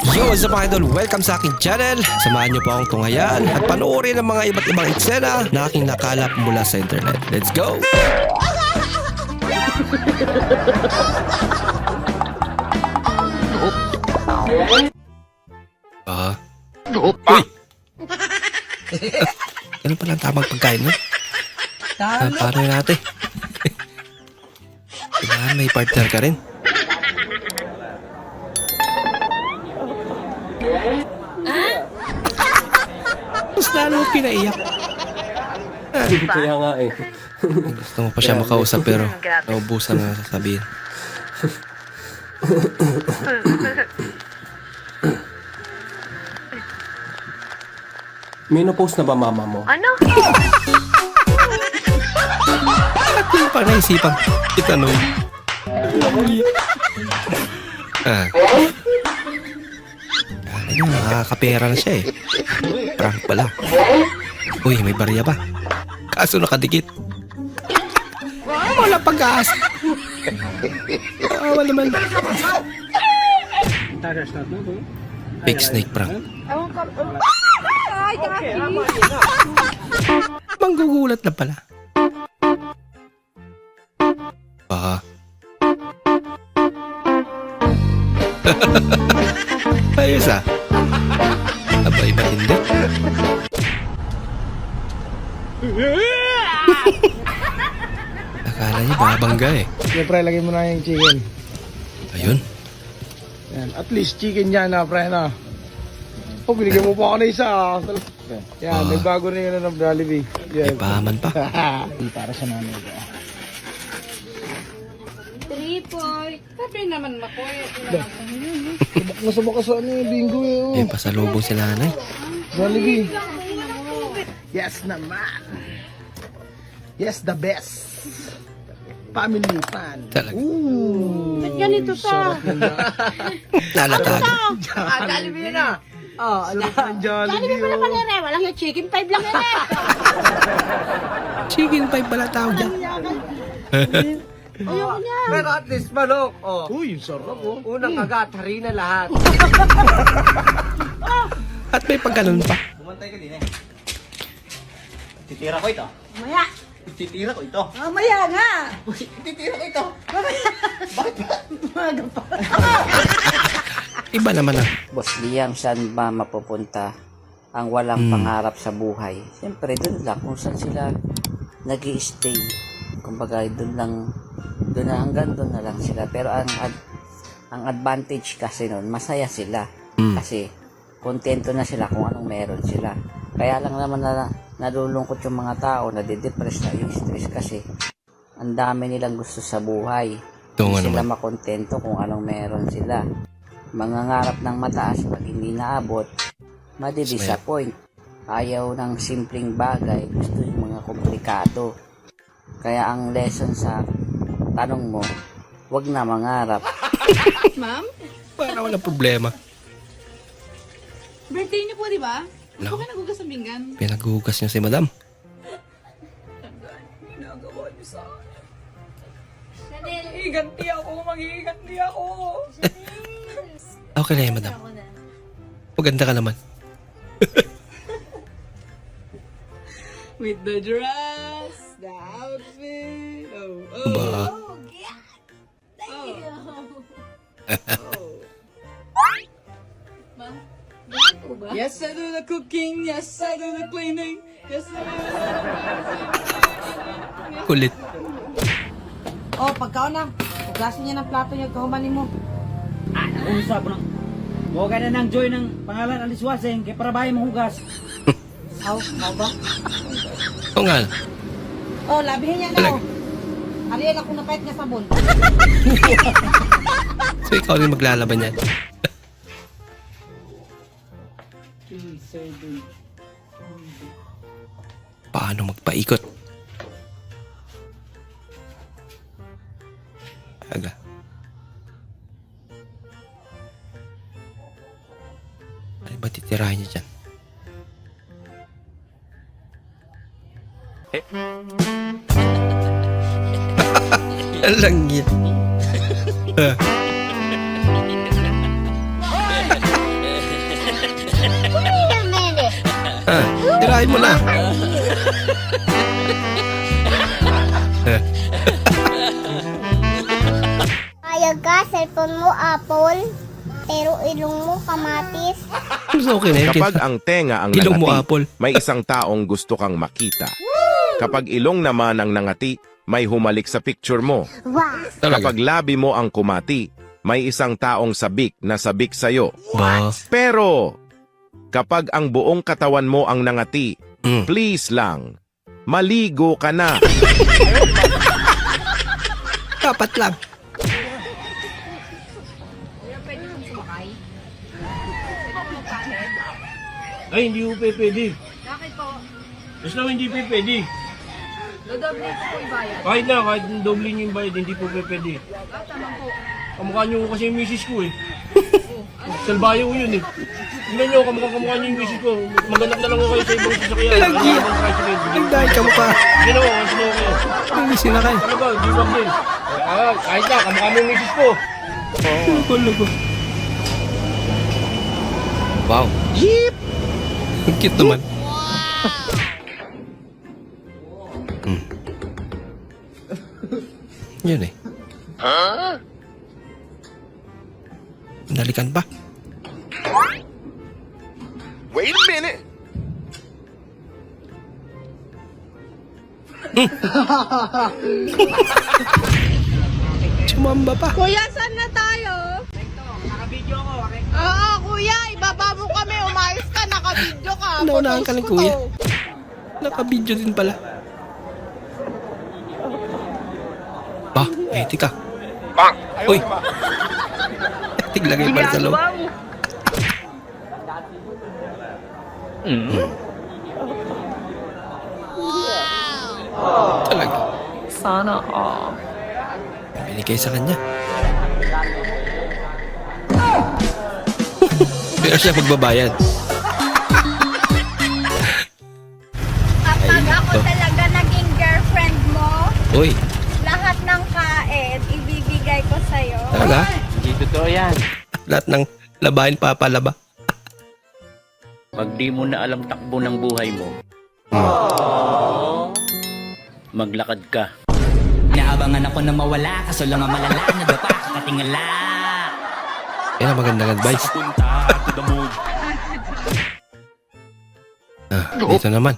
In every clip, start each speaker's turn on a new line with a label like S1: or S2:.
S1: Yo, what's up mga idol? Welcome sa aking channel. Samahan niyo po akong tunghayan at panoorin ang mga iba't ibang eksena na aking nakalap mula sa internet. Let's go! Uy! Ano pala ang tamang pagkain mo? Paano yun natin? Kailangan may partner ka rin. Mas lalo pinaiyak.
S2: Kaya nga eh.
S1: Gusto mo pa siya makausap pero naubusan na sasabihin.
S2: Menopause na ba mama mo?
S3: Ano?
S1: At yung pa naisipan itanong. Kala niya nakakapera na siya eh. Prank pala. Uy, may barya ba? Kaso nakadikit. Wala pag-aasa. Awa naman. Fake snake prank. Manggugulat na pala. Ayos ah. Abay ba hindi? Akala niya babangga eh.
S4: Siyempre, lagay mo na yung chicken.
S1: Ayun.
S4: Yan. At least chicken yan na, pre, na. Oh, binigyan mo pa ako na isa. Yan, may bago na yun ng Jollibee.
S1: May
S4: Yan.
S1: pahaman pa.
S4: Di para sa nanay ko.
S5: 3 point. Sabi naman makoy.
S4: Subok na sa ano yung bingo eh.
S1: May pasalubong si nanay.
S4: Jollibee. Yes naman. Yes, the best. Family fan.
S1: Talaga.
S4: Ooh.
S5: Ganito to.
S1: Lalatag.
S4: Jollibee na. Oh, sarap ng Jollibee.
S5: Jollibee pala pala rin. Walang yung chicken 5 lang yan eh.
S1: Chicken pie pala tawag dyan.
S5: Ayoko niya.
S6: Pero at least manok, oh.
S4: Uy, yung sarap oh.
S6: Unang kagat, harina lahat.
S1: At may pagkanon pa.
S6: Bumantay ka din eh. Titira ko ito.
S5: Maya.
S6: Titira ko ito.
S5: Maya nga.
S6: Titira ko ito.
S1: Iba naman ah.
S7: Boss Liam, saan ba mapupunta ang walang pangarap sa buhay? Siyempre, doon lang kung saan sila nag-i-stay. Kumbaga, doon na hanggang doon na lang sila. Pero ang advantage kasi noon, masaya sila. Kasi kontento na sila kung anong meron sila. Kaya lang naman nalulungkot yung mga tao, nadidepress na yung stress kasi ang dami nilang gusto sa buhay.
S1: Tungo
S7: Hindi sila
S1: naman.
S7: makontento kung anong meron sila. Mangangarap ng mataas pag hindi naabot, madidisappoint. Ayaw ng simpleng bagay, gusto yung mga komplikado. Kaya ang lesson sa tanong mo, wag na mangarap.
S5: Ma'am,
S1: Para walang problema.
S5: birthday niyo po, di ba?
S1: No.
S5: Huwag ka nagugas ng pinggan.
S1: Pinaghuhugas niya si madam.
S5: Higanti ako, maghihiganti ako.
S1: Okay na yan madam. Maganda ka naman.
S5: With the dress, the outfit. Oh,
S1: Ba?
S5: Yes, I do the cooking. Yes, I do the cleaning. Yes, I do
S1: Kulit.
S8: Oh, pagkaon na. Hugasin niya ng plato niya, kahumanin mo.
S9: Usap mo na. Huwag ka na ng joy ng pangalan Alice Waseng kaya para bahay mong hugas.
S8: Aw, ba?
S1: Oo nga.
S8: Oh, labihin niya na. Oh. Ariel, ako napait nga sabon.
S1: So ikaw rin maglalaban yan. Paano magpaikot? Aga. Ano ba titirahin niya dyan? Alang yan. Tirahin mo na.
S3: Ayag ka, cellphone mo Apple, pero ilong mo kamatis.
S1: Okay na yun.
S10: Kapag ang tenga ang
S1: Ilong mo,
S10: nangati,
S1: Apple.
S10: may isang taong gusto kang makita. Kapag ilong naman ang nangati, may humalik sa picture mo.
S1: Talaga.
S10: Kapag labi mo ang kumati, may isang taong sabik na sabik sa'yo.
S1: Ba?
S10: Pero, kapag ang buong katawan mo ang nangati, please lang, maligo ka na.
S1: Dapat lang.
S2: Ay, hindi po pwede.
S5: Bakit po?
S2: Mas naman hindi po pwede.
S5: Dodoble ko po yung bayad.
S2: Kahit doble niyo yung bayad, hindi po pwede.
S5: Bakit naman po?
S2: Kamukha niyo kasi yung misis ko eh. Salbayo ko yun eh. Tingnan niyo, kamukha niyo yung misis ko. Maghanap na lang ako kayo sa ibang sasakyan.
S1: Lagi. Ang dahil ka mo pa.
S2: Ginawa ko, sinawa ko.
S1: Ang sinakay.
S2: Ano ba, di wag din. Kahit na, kamukha mo yung misis ko.
S1: Wow. Jeep! Ang cute naman. Yun eh. Nalikan pa.
S10: Wait a minute!
S1: Sumamba pa.
S3: Kuya, saan na tayo?
S9: Naka-video ako, okay?
S3: Oo, kuya, ibaba mo kami. Umayos ka, naka-video ka.
S1: Naunahan ka
S3: Photos
S1: lang,
S3: ko
S1: kuya.
S3: to.
S1: Naka-video din pala. Ba, etik ka. Uy! Etik lagay pala sa loob. Talaga.
S5: Sana all.
S1: Binigay sa kanya. Pero siya magbabayad.
S3: Kapag ako talaga naging girlfriend mo,
S1: Uy,
S3: lahat ng kain, ibibigay ko sa'yo.
S1: talaga?
S9: Hindi totoo yan.
S1: Lahat ng labahin papalaba.
S9: Pag di mo na alam takbo ng buhay mo, maglakad ka.
S6: Naabangan ako na mawala, kaso lang ang malala, nadapa, katingala.
S1: Yan ang magandang advice. Dito naman.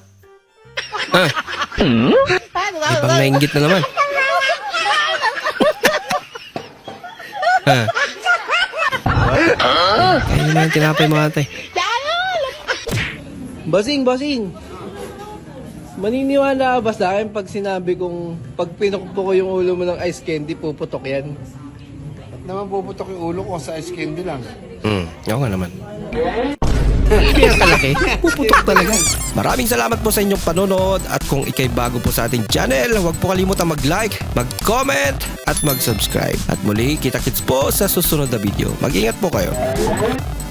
S1: Ibang nainggit na naman. Kaya naman yung tinapay mga ate.
S4: Bossing! Maniniwala ka ba sa akin pag sinabi kong pag pinukpo ko yung ulo mo ng ice candy, puputok yan? At naman puputok yung ulo ko sa ice candy lang.
S1: Oo nga naman. Kaya kalaki, puputok talaga. Maraming salamat po sa inyong panonood at kung ikay bago po sa ating channel, huwag po kalimutan mag-like, mag-comment at mag-subscribe. At muli, kita-kits po sa susunod na video. Mag-ingat po kayo.